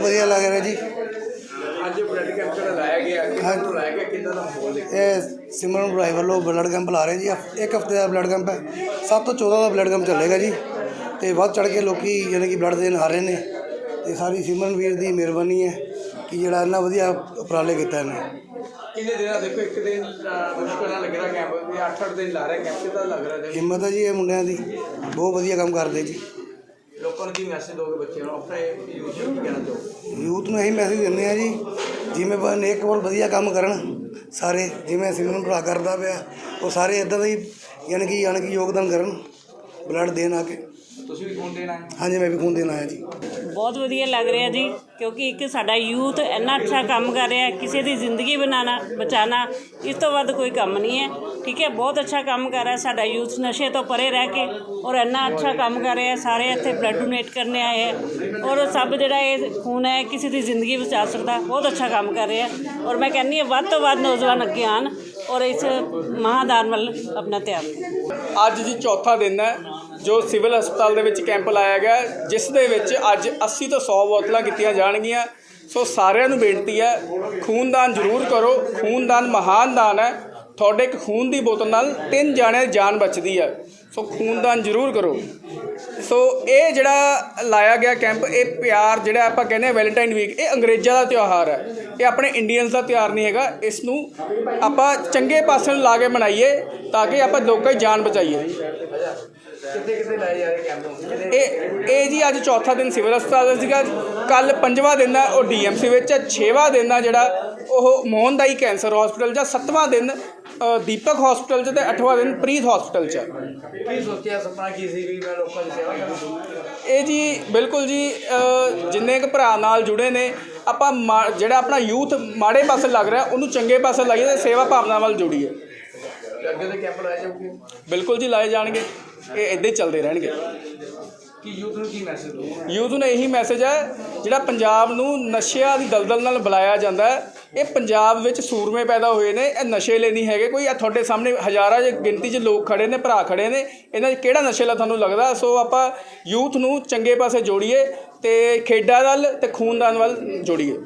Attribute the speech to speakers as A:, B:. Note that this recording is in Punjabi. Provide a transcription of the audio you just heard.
A: ਵਧੀਆ ਲੱਗ ਰਿਹਾ ਜੀ।
B: ਅੱਜ ਬਲੱਡ ਕੈਂਪ ਜਿਹੜਾ ਲਾਇਆ ਗਿਆ ਕਿੱਦਾਂ ਦਾ ਮਾਹੌਲ ਦੇਖਿਆ?
A: ਇਹ ਸਿਮਰਨ ਭਰਾਈ ਵੱਲੋਂ ਬਲੱਡ ਕੈਂਪ ਲਾ ਰਹੇ ਜੀ। ਇੱਕ ਹਫ਼ਤੇ ਦਾ ਬਲੱਡ ਕੈਂਪ ਹੈ। 7 ਤੋਂ 14 ਦਾ ਬਲੱਡ ਕੈਂਪ ਚੱਲੇਗਾ ਜੀ। ਅਤੇ ਵੱਧ ਚੜ੍ਹ ਕੇ ਲੋਕ ਯਾਨੀ ਕਿ ਬਲੱਡ ਦੇਣ ਆ ਰਹੇ ਨੇ। ਅਤੇ ਸਾਰੀ ਸਿਮਰਨ ਵੀਰ ਦੀ ਮਿਹਰਬਾਨੀ ਹੈ ਕਿ ਜਿਹੜਾ ਇੰਨਾ ਵਧੀਆ ਉਪਰਾਲੇ ਕੀਤਾ ਇਹਨੇ।
B: ਕਿੰਨੇ ਦਿਨਾਂ ਦੇਖੋ ਇੱਕ ਦਿਨ ਮੁਸ਼ਕਿਲ ਨਾਲ ਲੱਗਦਾ ਕੈਂਪ ਵੀ 8-8 ਦਿਨ ਲਾ ਰਿਹਾ ਕੈਂਪ ਕਿੱਦਾਂ ਲੱਗ ਰਿਹਾ?
A: ਹਿੰਮਤ ਹੈ ਜੀ ਇਹ ਮੁੰਡਿਆਂ ਦੀ, ਬਹੁਤ ਵਧੀਆ ਕੰਮ ਕਰਦੇ ਜੀ।
B: ਲੋਕਾਂ ਨੂੰ ਕੀ ਮੈਸੇਜ ਦੋਗੇ ਬੱਚਿਆਂ ਨੂੰ ਆਪਣੇ ਯੂਥ ਨੂੰ ਕੀ ਕਹਿਣਾ ਚਾਹੋਗੇ?
A: ਯੂਥ ਨੂੰ ਇਹੀ ਮੈਸੇਜ ਦਿੰਦੇ ਹਾਂ ਜੀ, ਜਿਵੇਂ ਨੇਕ ਬਹੁਤ ਵਧੀਆ ਕੰਮ ਕਰਨ ਸਾਰੇ, ਜਿਵੇਂ ਸਿਮਰਨ ਭਰਾ ਕਰਦਾ ਪਿਆ ਉਹ ਸਾਰੇ ਇੱਦਾਂ ਦਾ ਹੀ ਯਾਨੀ ਕਿ ਯੋਗਦਾਨ ਕਰਨ ਬਲੱਡ ਦੇਣ ਆ ਕੇ।
B: ਤੁਸੀਂ ਵੀ ਖੂਨ ਦੇਣ ਆਏ?
A: ਹਾਂਜੀ, ਮੈਂ ਵੀ ਖੂਨ ਦੇਣ ਆਇਆ ਜੀ।
C: ਬਹੁਤ ਵਧੀਆ ਲੱਗ ਰਿਹਾ ਜੀ, ਕਿਉਂਕਿ ਇੱਕ ਸਾਡਾ ਯੂਥ ਇੰਨਾ ਅੱਛਾ ਕੰਮ ਕਰ ਰਿਹਾ, ਕਿਸੇ ਦੀ ਜ਼ਿੰਦਗੀ ਬਚਾਉਣਾ ਇਸ ਤੋਂ ਵੱਧ ਕੋਈ ਕੰਮ ਨਹੀਂ ਹੈ। ਠੀਕ ਹੈ, ਬਹੁਤ ਅੱਛਾ ਕੰਮ ਕਰ ਰਿਹਾ ਸਾਡਾ ਯੂਥ, ਨਸ਼ੇ ਤੋਂ ਪਰੇ ਰਹਿ ਕੇ ਔਰ ਇੰਨਾ ਅੱਛਾ ਕੰਮ ਕਰ ਰਿਹਾ। ਸਾਰੇ ਇੱਥੇ ਬਲੱਡ ਡੋਨੇਟ ਕਰਨੇ ਆਏ ਹੈ ਔਰ ਸਭ ਜਿਹੜਾ ਇਹ ਖੂਨ ਹੈ ਕਿਸੇ ਦੀ ਜ਼ਿੰਦਗੀ ਬਚਾ ਸਕਦਾ। ਬਹੁਤ ਅੱਛਾ ਕੰਮ ਕਰ ਰਿਹਾ ਔਰ ਮੈਂ ਕਹਿੰਦੀ ਹਾਂ ਵੱਧ ਤੋਂ ਵੱਧ ਨੌਜਵਾਨ ਅੱਗੇ ਆਉਣ ਔਰ ਇਸ ਮਹਾਦਾਨ ਵੱਲ ਆਪਣਾ ਧਿਆਨ ਦੇਣ।
B: ਅੱਜ ਜੀ ਚੌਥਾ ਦਿਨ ਹੈ ਜੋ ਸਿਵਲ ਹਸਪਤਾਲ ਦੇ ਵਿੱਚ ਕੈਂਪ ਲਾਇਆ ਗਿਆ, ਜਿਸ ਦੇ ਵਿੱਚ ਅੱਜ 80 ਤੋਂ 100 ਬੋਤਲਾਂ ਕੀਤੀਆਂ ਜਾਣਗੀਆਂ। ਸੋ ਸਾਰਿਆਂ ਨੂੰ ਬੇਨਤੀ ਹੈ, ਖੂਨਦਾਨ ਜ਼ਰੂਰ ਕਰੋ। ਖੂਨਦਾਨ ਮਹਾਨ ਦਾਨ ਹੈ। ਤੁਹਾਡੇ ਇੱਕ ਖੂਨ ਦੀ ਬੋਤਲ ਨਾਲ 3 ਜਾਣਿਆਂ ਦੀ ਜਾਨ ਬਚਦੀ ਹੈ। ਸੋ ਖੂਨਦਾਨ ਜ਼ਰੂਰ ਕਰੋ। ਸੋ ਇਹ ਜਿਹੜਾ ਲਾਇਆ ਗਿਆ ਕੈਂਪ, ਇਹ ਪਿਆਰ ਜਿਹੜਾ ਆਪਾਂ ਕਹਿੰਦੇ ਹਾਂ ਵੈਲੈਂਟਾਈਨ ਵੀਕ, ਇਹ ਅੰਗਰੇਜ਼ਾਂ ਦਾ ਤਿਉਹਾਰ ਹੈ, ਇਹ ਆਪਣੇ ਇੰਡੀਅਨਸ ਦਾ ਤਿਉਹਾਰ ਨਹੀਂ ਹੈਗਾ। ਇਸ ਨੂੰ ਆਪਾਂ ਚੰਗੇ ਪਾਸੇ ਨੂੰ ਲਾ ਕੇ ਮਨਾਈਏ ਤਾਂ ਕਿ ਆਪਾਂ ਲੋਕਾਂ ਦੀ ਜਾਨ ਬਚਾਈਏ। ਕਿੱਥੇ ਲਾਏ ਜਾ ਰਹੇ ਕੈਂਪ? ਇਹ ਜੀ ਅੱਜ ਚੌਥਾ ਦਿਨ ਸਿਵਲ ਹਸਪਤਾਲ ਦਾ ਸੀਗਾ। ਕੱਲ੍ਹ 5ਵਾਂ ਦਿਨ ਹੈ ਉਹ DMC ਵਿੱਚ ਹੈ। 6ਵਾਂ ਦਿਨ ਆ ਜਿਹੜਾ ਉਹ ਮੋਹਨਦਾਈ ਕੈਂਸਰ ਹੌਸਪੀਟਲ 'ਚ। 7ਵਾਂ ਦਿਨ ਦੀਪਕ ਹੌਸਪੀਟਲ 'ਚ ਅਤੇ 8ਵਾਂ ਦਿਨ ਪ੍ਰੀਤ ਹੌਸਪੀਟਲ 'ਚ। ਕੀ ਸੋਚਿਆ, ਸੁਪਨਾ ਕੀ ਸੀ ਵੀ ਮੈਂ ਲੋਕਾਂ ਦੀ ਸੇਵਾ ਕਰਾਂ? ਇਹ ਜੀ ਬਿਲਕੁਲ ਜੀ, ਜਿੰਨੇ ਕੁ ਭਰਾ ਨਾਲ ਜੁੜੇ ਨੇ ਆਪਾਂ ਜਿਹੜਾ ਆਪਣਾ ਯੂਥ ਮਾੜੇ ਪਾਸੇ ਲੱਗ ਰਿਹਾ ਉਹਨੂੰ ਚੰਗੇ ਪਾਸੇ ਲਾਈਏ ਅਤੇ ਸੇਵਾ ਭਾਵਨਾ ਵੱਲ ਜੁੜੀਏ। ਅੱਗੇ ਦੇ ਕੈਂਪ ਲਾਏ ਜਾਣਗੇ? ਬਿਲਕੁਲ ਜੀ ਲਾਏ ਜਾਣਗੇ। ਇਹ ਇੱਦਾਂ ਹੀ ਚੱਲਦੇ ਰਹਿਣਗੇ। ਕਿ ਯੂਥ ਨੂੰ ਕੀ ਮੈਸੇਜ ਦੋ? ਯੂਥ ਨੂੰ ਇਹੀ ਮੈਸੇਜ ਹੈ, ਜਿਹੜਾ ਪੰਜਾਬ ਨੂੰ ਨਸ਼ਿਆਂ ਦੀ ਦਲਦਲ ਨਾਲ ਬੁਲਾਇਆ ਜਾਂਦਾ ਹੈ, ਇਹ ਪੰਜਾਬ ਵਿੱਚ ਸੂਰਮੇ ਪੈਦਾ ਹੋਏ ਨੇ। ਇਹ ਨਸ਼ੇ ਲਈ ਨਹੀਂ ਹੈਗੇ ਕੋਈ। ਤੁਹਾਡੇ ਸਾਹਮਣੇ ਹਜ਼ਾਰਾਂ ਗਿਣਤੀ 'ਚ ਲੋਕ ਖੜੇ ਨੇ, ਭਰਾ ਖੜੇ ਨੇ, ਇਹਨਾਂ 'ਚ ਕਿਹੜਾ ਨਸ਼ੇ ਵਾਲਾ ਤੁਹਾਨੂੰ ਲੱਗਦਾ? ਸੋ ਆਪਾਂ ਯੂਥ ਨੂੰ ਚੰਗੇ ਪਾਸੇ ਜੋੜੀਏ ਅਤੇ ਖੇਡਾਂ ਵੱਲ ਅਤੇ ਖੂਨਦਾਨ ਵੱਲ ਜੋੜੀਏ।